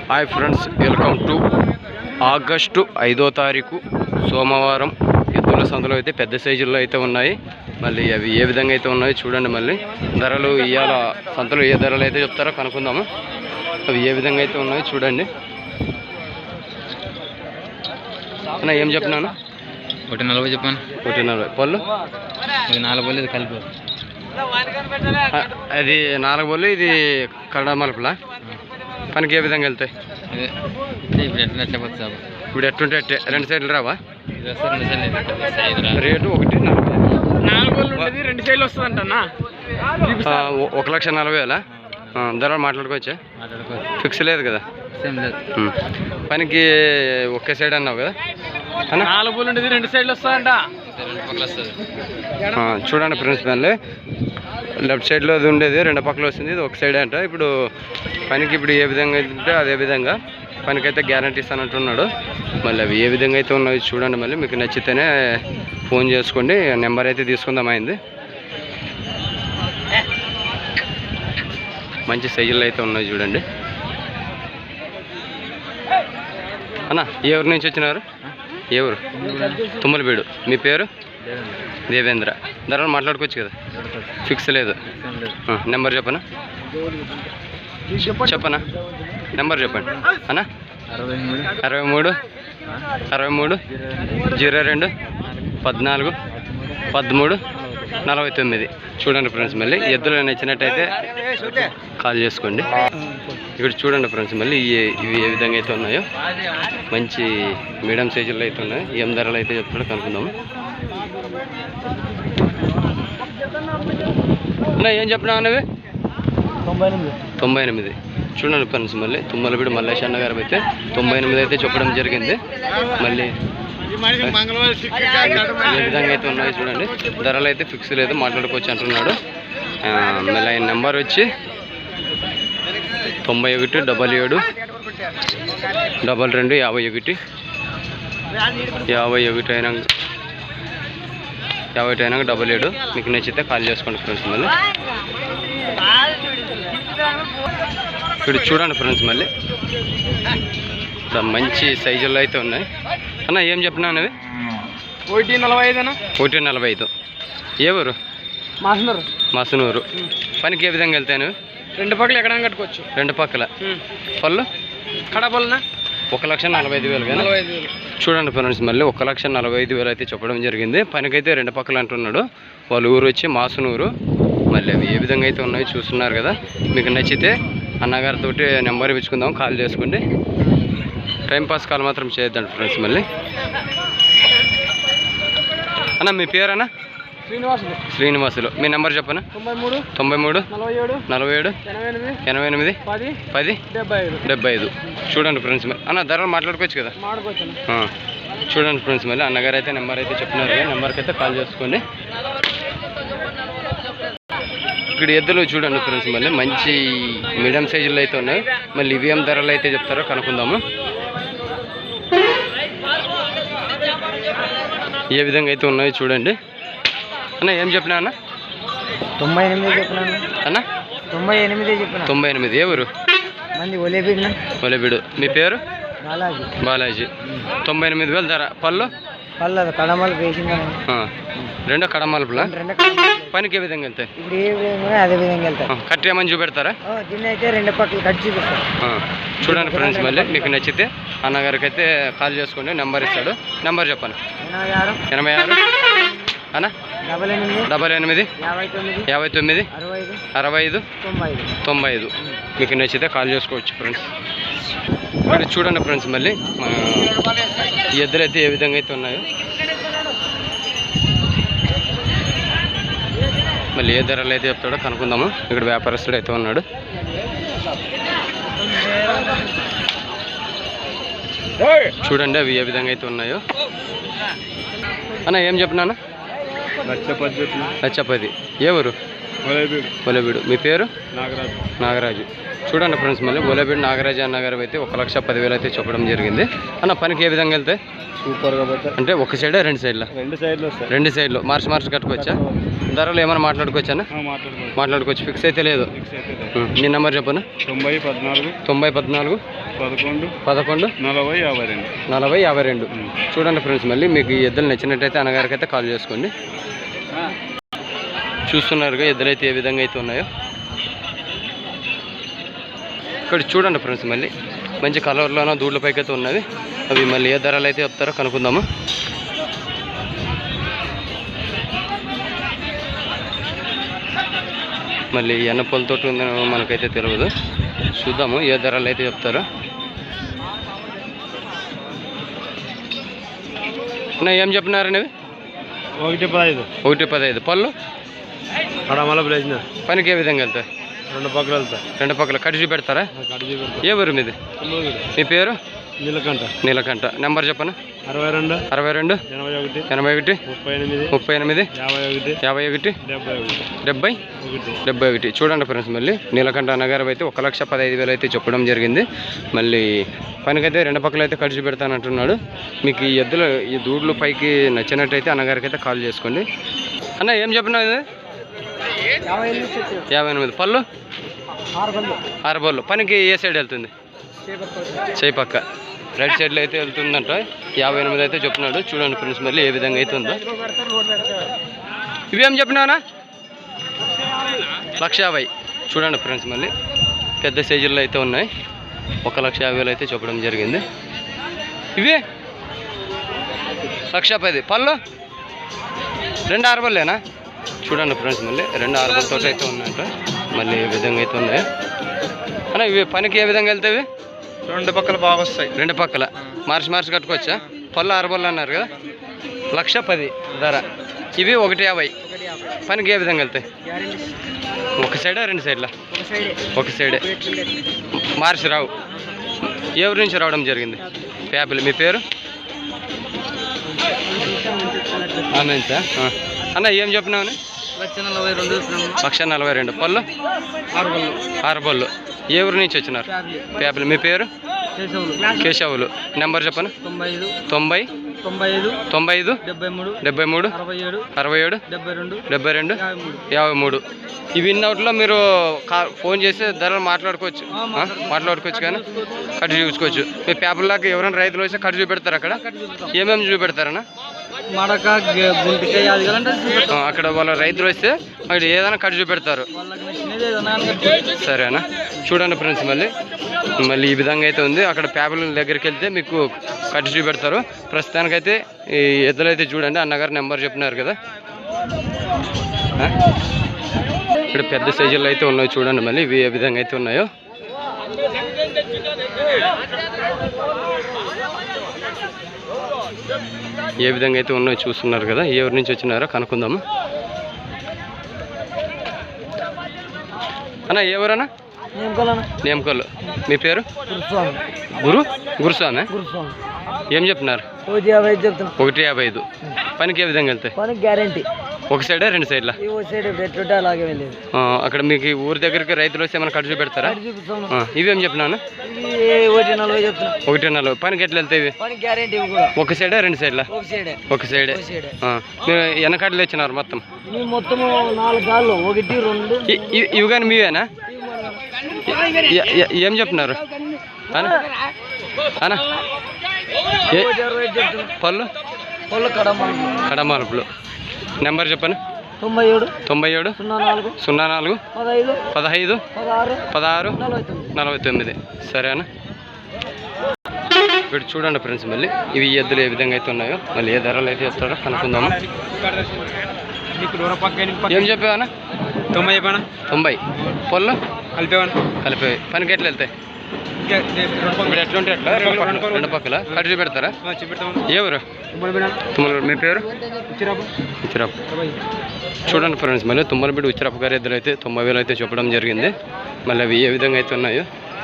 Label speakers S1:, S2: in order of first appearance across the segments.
S1: Hi friends, welcome to August 5వ తారీఖు సోమవారం ఎద్దుల సంతలో అయితే పెద్ద సైజుల్లో అయితే ఉన్నాయి. మళ్ళీ అవి ఏ విధంగా అయితే ఉన్నాయో చూడండి. మళ్ళీ ధరలు ఇవాళ సంతలో ఏ ధరలు అయితే చెప్తారో కనుక్కుందాము. అవి ఏ విధంగా అయితే ఉన్నాయో చూడండి. అన్న ఏం చెప్పినాను?
S2: 140 చెప్పాను.
S1: 140 పళ్ళు.
S2: ఇది 4 పళ్ళు, ఇది కలిపి.
S1: అది 4 పళ్ళు, ఇది కడ మలుపులా. పనికి ఏ విధంగా వెళ్తాయి?
S2: ఇప్పుడు ఎట్లా చెప్పచ్చు సార్?
S1: ఇప్పుడు ఎట్టుంటే రెండు సైడ్లు రావా?
S2: రేటు
S1: 1,40,000
S2: 2 సైడ్లు వస్తుంది అంట.
S1: 1,40,000 ధర మాట్లాడుకోవచ్చా? ఫిక్స్ లేదు కదా? పనికి ఒకే సైడ్ అన్నావు కదా?
S2: 4 పళ్ళు ఉండేది 2 సైడ్లు వస్తుందంట.
S1: చూడండి ఫ్రెండ్స్, మళ్ళీ లెఫ్ట్ సైడ్లో అది ఉండేది 2 పక్కలు వస్తుంది, ఇది ఒక సైడ్ అంట. ఇప్పుడు పనికి ఇప్పుడు ఏ విధంగా అయితే అదే విధంగా పనికైతే గ్యారంటీ ఇస్తానంటున్నాడు. మళ్ళీ అవి ఏ విధంగా అయితే ఉన్నాయో చూడండి. మళ్ళీ మీకు నచ్చితేనే ఫోన్ చేసుకోండి, నెంబర్ అయితే తీసుకుందాం అయింది. మంచి సైజులు అయితే ఉన్నాయి చూడండి. అన్న ఏ ఊరు నుంచి వచ్చినారు? ఏ ఊరు? తుమ్మలబీడు. మీ పేరు? దేవేంద్ర. ధరలు మాట్లాడుకోవచ్చు కదా? ఫిక్స్ లేదు. నెంబర్ చెప్పనా? నెంబర్ చెప్పండి అన్న. 63 63 02 14 13 49. చూడండి ఫ్రెండ్స్, మళ్ళీ ఎద్దులు నచ్చినట్టయితే కాల్ చేసుకోండి. ఇక్కడ చూడండి ఫ్రెండ్స్, మళ్ళీ ఇవి ఏ విధంగా అయితే ఉన్నాయో మంచి మీడియం సైజుల్లో అయితే ఉన్నాయి. ఏం ధరలు అయితే చెప్తాడో కనుక్కుందాము. ఏం చెప్పినావు అన్నవి? 98. చూడండి ఫ్రెండ్స్, మళ్ళీ తుమ్మలబీడు మల్లేష్ అన్న గారు అయితే 98 అయితే చెప్పడం జరిగింది. మళ్ళీ ఏ విధంగా అయితే ఉన్నాయో చూడండి. ధరలు అయితే ఫిక్స్ లేదు, మాట్లాడుకోవచ్చు అంటున్నాడు. మళ్ళీ ఆయన నెంబర్ వచ్చి 91 77 22 51 51 అయినాక 77. మీకు నచ్చితే కాల్ చేసుకోండి ఫ్రెండ్స్. మళ్ళీ ఇప్పుడు చూడండి ఫ్రెండ్స్, మళ్ళీ మంచి సైజుల్లో అయితే ఉన్నాయి. అన్న ఏం చెప్పినా అన్నవి?
S2: 145
S1: 145. ఏ ఊరు? మాసనూరు. పనికి ఏ విధంగా వెళ్తాయి నువ్వు?
S2: 2 పక్కలు ఎక్కడ కట్టుకోవచ్చు.
S1: 2 పక్కల పళ్ళు
S2: కడపలనా
S1: 1,45,000 కానీ. చూడండి ఫ్రెండ్స్, మళ్ళీ 1,45,000 అయితే చెప్పడం జరిగింది. పనికైతే 2 పక్కలు అంటున్నాడు. వాళ్ళ ఊరు వచ్చి మాసనూరు. మళ్ళీ అవి ఏ విధంగా అయితే ఉన్నాయో చూస్తున్నారు కదా. మీకు నచ్చితే అన్నగారితో నెంబర్ ఇచ్చుకుందాం, కాల్ చేసుకోండి. టైంపాస్ కాల్ మాత్రం చేయొద్దండి ఫ్రెండ్స్. మళ్ళీ అన్న మీ పేరన్నా? శ్రీనివాసులు. మీ నెంబర్ చెప్పనా? 93 47 88 10 75. చూడండి ఫ్రెండ్స్, మళ్ళీ అన్న ధరలు మాట్లాడుకోవచ్చు కదా? చూడండి ఫ్రెండ్స్, మళ్ళీ అన్నగారు అయితే నెంబర్ అయితే చెప్తున్నారు కదా, నెంబర్కి అయితే కాల్ చేసుకోండి. ఇక్కడ ఎద్దులు చూడండి ఫ్రెండ్స్, మళ్ళీ మంచి మీడియం సైజుల్లో అయితే ఉన్నాయి. మళ్ళీ ఇవి ఏం ధరలు అయితే చెప్తారో కనుక్కుందాము. ఏ విధంగా అయితే ఉన్నాయో చూడండి. అన్న ఏం చెప్పినా అన్న?
S2: 98 చెప్పినాను
S1: అన్న. 98. ఏ ఊరు? ఒలేబీడు. మీ పేరు? బాలాజీ. 98,000 ధర. పళ్ళు
S2: కడమలు వేసిందా?
S1: 2 కడమలుపులా. పనికి ఏ విధంగా వెళ్తాయి?
S2: అదే విధంగా వెళ్తాయి.
S1: కట్ ఏమని చూపెడతారా?
S2: దీన్ని అయితే 2 పక్కలు కట్ చూపిస్తారు.
S1: చూడండి ఫ్రెండ్స్, మళ్ళీ మీకు నచ్చితే అన్నగారికి అయితే కాల్ చేసుకోండి, నెంబర్ ఇస్తాడు. నెంబర్ చెప్పండి. 86 అన్న 88 59 65 95. మీకు నచ్చితే కాల్ చేసుకోవచ్చు ఫ్రెండ్స్. ఇక్కడ చూడండి ఫ్రెండ్స్, మళ్ళీ ఈ ఎద్దులు అయితే ఏ విధంగా అయితే ఉన్నాయో. మళ్ళీ ఏ ధరలు అయితే చెప్తాడో కనుక్కుందాము. ఇక్కడ వ్యాపారస్తుడు అయితే ఉన్నాడు. చూడండి అవి ఏ విధంగా అయితే ఉన్నాయో. అన్న ఏం చెప్పినా? 1,10. ఏ ఊరు? ఒలేబీడు. మీ పేరు?
S3: నాగరాజు.
S1: నాగరాజు. చూడండి ఫ్రెండ్స్, మళ్ళీ ఒలేబీడు నాగరాజు అన్నగారు అయితే 1,10,000 అయితే చెప్పడం జరిగింది. అన్న పనికి ఏ విధంగా వెళ్తాయి?
S3: సూపర్గా పోతే
S1: అంటే ఒక సైడా రెండు సైడ్లా?
S3: రెండు సైడ్లు వస్తాయి.
S1: రెండు సైడ్లు మార్చి కట్టుకోవచ్చా? ధరలు ఏమైనా మాట్లాడుకోవచ్చా? మాట్లాడుకోవచ్చు, ఫిక్స్ అయితే లేదు. నీ నెంబర్ చెప్పను. 9014 11 40 52. చూడండి ఫ్రెండ్స్, మళ్ళీ మీకు ఈ ఎద్దులు నచ్చినట్టయితే అన్నగారికి అయితే కాల్ చేసుకోండి. చూస్తున్నారుగా ఎద్దులు అయితే ఏ విధంగా అయితే ఉన్నాయో. ఇక్కడ చూడండి ఫ్రెండ్స్, మళ్ళీ మంచి కలర్లోనో దూడ్ల పైకి అయితే ఉన్నవి. అవి మళ్ళీ ఏ ధరలు అయితే చెప్తారో కనుక్కుందాము. మళ్ళీ ఎన్న పొలతోటి ఉందో మనకైతే తెలియదు, చూద్దాము ఏ ధరలు అయితే చెప్తారో. ఏం చెప్పినారని? 1,15. పళ్ళు పనికి ఏ విధంగా వెళ్తాయి? రెండు పక్కల కట్టి చూపెడతారా? ఏ ఊరు మీది? మీ పేరు? నీలకంఠ. నెంబర్ చెప్పను. 62 81 38 51 71. చూడండి ఫ్రెండ్స్, మళ్ళీ నీలకంఠ అన్నగారు అయితే 1,15,000 అయితే చెప్పడం జరిగింది. మళ్ళీ పనికైతే రెండు పక్కల అయితే ఖర్చు పెడతానంటున్నాడు. మీకు ఈ ఎద్దులు ఈ దూడ్లు పైకి నచ్చినట్టయితే అన్నగారికి అయితే కాల్ చేసుకోండి. అన్న ఏం చెప్పినావు? ఇది 58. పళ్ళు 6 బళ్ళు. పనికి ఏ సైడ్ వెళ్తుంది? చేయి పక్క రైట్ సైడ్లో అయితే వెళ్తుందంట. 58 అయితే చెప్తున్నాడు. చూడండి ఫ్రెండ్స్, మళ్ళీ ఏ విధంగా అయితే ఉందో. ఇవేం చెప్పినావునా? 1,50,000. చూడండి ఫ్రెండ్స్, మళ్ళీ పెద్ద సైజుల్లో అయితే ఉన్నాయి. 1,50,000 అయితే చెప్పడం జరిగింది. ఇవి 1,10,000. పళ్ళు 2 6 బళ్ళేనా? చూడండి ఫ్రెండ్స్, మళ్ళీ 2 6 బళ్ళతో అయితే ఉన్నాయంట. మళ్ళీ ఏ విధంగా అయితే ఉన్నాయి అన్న. ఇవి పనికి ఏ విధంగా వెళ్తాయి?
S3: రెండు పక్కల బాగా వస్తాయి.
S1: రెండు పక్కల మార్చి కట్టుకోవచ్చా? పళ్ళు 6 బళ్ళు అన్నారు కదా, 1,10,000 ధర. ఇవి 1,50,000. పనికి ఏ విధంగా వెళ్తాయి? ఒక సైడా రెండు సైడ్లా? ఒక సైడే. మార్చి రావు. ఎవరి నుంచి రావడం జరిగింది? ఫ్యాబిల్. మీ పేరు? ఆమెన్సా అన్న. ఏం చెప్పినావు? 1,42. పళ్ళు 6 బళ్ళు. ఏ ఊరు నుంచి వచ్చినారు? ఫ్యాబిల్. మీ పేరు? కేశవులు. నెంబర్ చెప్పను. 90 95 73 67 72 53. ఇవి ఇన్నౌట్లో మీరు ఫోన్ చేసి ధరలు మాట్లాడుకోవచ్చు కానీ కట్టు చూసుకోవచ్చు. మీ ఫ్యాబిల్ లాగా ఎవరైనా రైతులు వస్తే కట్టు చూపెడతారు. అక్కడ ఏమేమి చూపెడతారన్నా?
S2: మడక గుంటికాయ
S1: అక్కడ వాళ్ళ రైతులు వస్తే అక్కడ ఏదైనా కట్టు చూపెడతారు. సరేనా? చూడండి ఫ్రెండ్స్, మళ్ళీ ఈ విధంగా అయితే ఉంది. అక్కడ ఫ్యాబిల్ దగ్గరికి వెళ్తే మీకు కట్టు చూపెడతారు. ప్రస్తుతానికైతే ఈ ఎద్దులు అయితే చూడండి. అన్నగారు నెంబర్ చెప్పినారు కదా. ఇక్కడ పెద్ద సైజుల్లో అయితే ఉన్నాయి. చూడండి మళ్ళీ ఇవి ఏ విధంగా అయితే ఉన్నాయో. ఏ విధంగా అయితే ఉన్నాయో చూస్తున్నారు కదా. ఎవరి నుంచి వచ్చినారో కనుక్కుందాము. అన్న ఎవరన్నా? నేమకల్లు. మీ పేరు? గురుస్వామి. ఏం చెప్తున్నారు? 1,55. పనికి ఏ విధంగా వెళ్తాయి?
S2: గ్యారంటీ.
S1: ఒక సైడా రెండు సైడ్లా? అక్కడ మీకు ఊరి దగ్గరికి రైతులు వస్తే ఏమైనా ఖర్చు పెడతారా? ఇవేం చెప్పినాను? 1,40. పనికి ఎట్లా వెళ్తాయి? ఒక సైడా రెండు సైడ్లా? ఒక సైడే. మీరు వెనకాడలు ఇచ్చినారు మొత్తం? ఇవి కానీ మీవేనా? ఏం చెప్తున్నారు అన్న? పళ్ళు కడమాలుపులు. నెంబర్ చెప్పను. 97 04 15 16 49. సరేనా? ఇప్పుడు చూడండి ఫ్రెండ్స్, మళ్ళీ ఇవి ఎద్దులు ఏ విధంగా అయితే ఉన్నాయో, మళ్ళీ ఏ ధరలు అయితే చెప్తారో కనుక్కుందాము. ఏం చెప్పావన్నా? 90. పళ్ళు కలిపి పనికి ఎట్లా వెళ్తాయి? ఇప్పుడు ఎట్లుంటే ఎట్లా రెండు పక్కల కట్టు చూపెడతారా? ఎవరు? మీ పేరు? ఉచ్చిరాపు. చూడండి ఫ్రెండ్స్, మళ్ళీ తుమ్మలబిడ్డ ఉచ్చిరాపు గారి ఎద్దులు అయితే 90,000 అయితే చెప్పడం జరిగింది. మళ్ళీ అవి ఏ విధంగా అయితే ఉన్నాయో.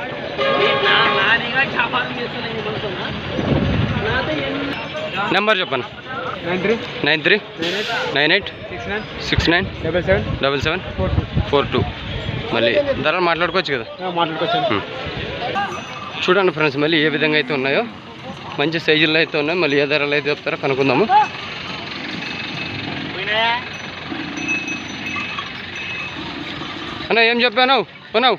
S1: నెంబర్ చెప్పండి. 93 98 69 77 44. 42 మళ్ళీ ధరలు మాట్లాడుకోవచ్చు కదా.
S3: మాట్లాడుకోవచ్చు.
S1: చూడండి ఫ్రెండ్స్ మళ్ళీ ఏ విధంగా అయితే ఉన్నాయో మంచి సైజుల్లో అయితే ఉన్నాయి. మళ్ళీ ఏ ధరలు అయితే చెప్తారో కనుక్కుందాము. అన్న ఏం చెప్పాను కొన్నావు?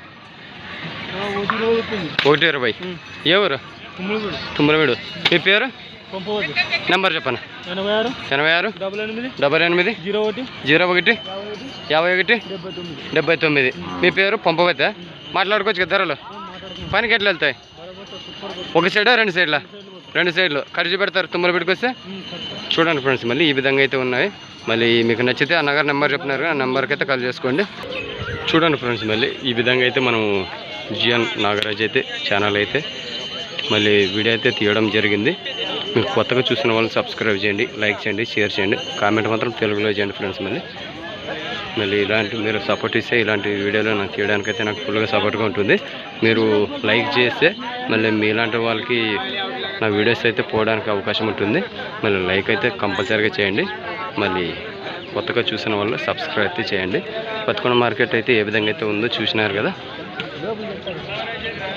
S1: 120. ఏ ఊరు? తుమ్మలవీడు. మీ పేరు? నెంబర్ చెప్పను. 86 88 01 51 79. మీ పేరు పంపవతే? మాట్లాడుకోవచ్చు కదా ధరలు? పనికి ఎట్లా వెళ్తాయి? ఒక సైడా రెండు సైడ్లా? రెండు సైడ్లు ఖర్చు పెడతారు తుమ్మలవీడికి వస్తే. చూడండి ఫ్రెండ్స్ మళ్ళీ ఈ విధంగా అయితే ఉన్నాయి. మళ్ళీ మీకు నచ్చితే అన్నగారు నెంబర్ చెప్పినారు, ఆ నెంబర్కి అయితే కాల్ చేసుకోండి. చూడండి ఫ్రెండ్స్ మళ్ళీ ఈ విధంగా అయితే మనం జిఎన్ నాగరాజ్ అయితే ఛానల్ అయితే మళ్ళీ వీడియో అయితే తీయడం జరిగింది. మీరు కొత్తగా చూసిన వాళ్ళు సబ్స్క్రైబ్ చేయండి, లైక్ చేయండి, షేర్ చేయండి, కామెంట్ మాత్రం తెలుగులో చేయండి ఫ్రెండ్స్. మళ్ళీ ఇలాంటి మీరు సపోర్ట్ ఇస్తే ఇలాంటి వీడియోలు నాకు తీయడానికైతే నాకు ఫుల్గా సపోర్ట్గా ఉంటుంది. మీరు లైక్ చేస్తే మళ్ళీ మీలాంటి వాళ్ళకి నా వీడియోస్ అయితే పోవడానికి అవకాశం ఉంటుంది. మళ్ళీ లైక్ అయితే కంపల్సరీగా చేయండి. మళ్ళీ కొత్తగా చూసిన వాళ్ళు సబ్స్క్రైబ్ అయితే చేయండి. బతుకొండ మార్కెట్ అయితే ఏ విధంగా అయితే ఉందో చూసినారు కదా.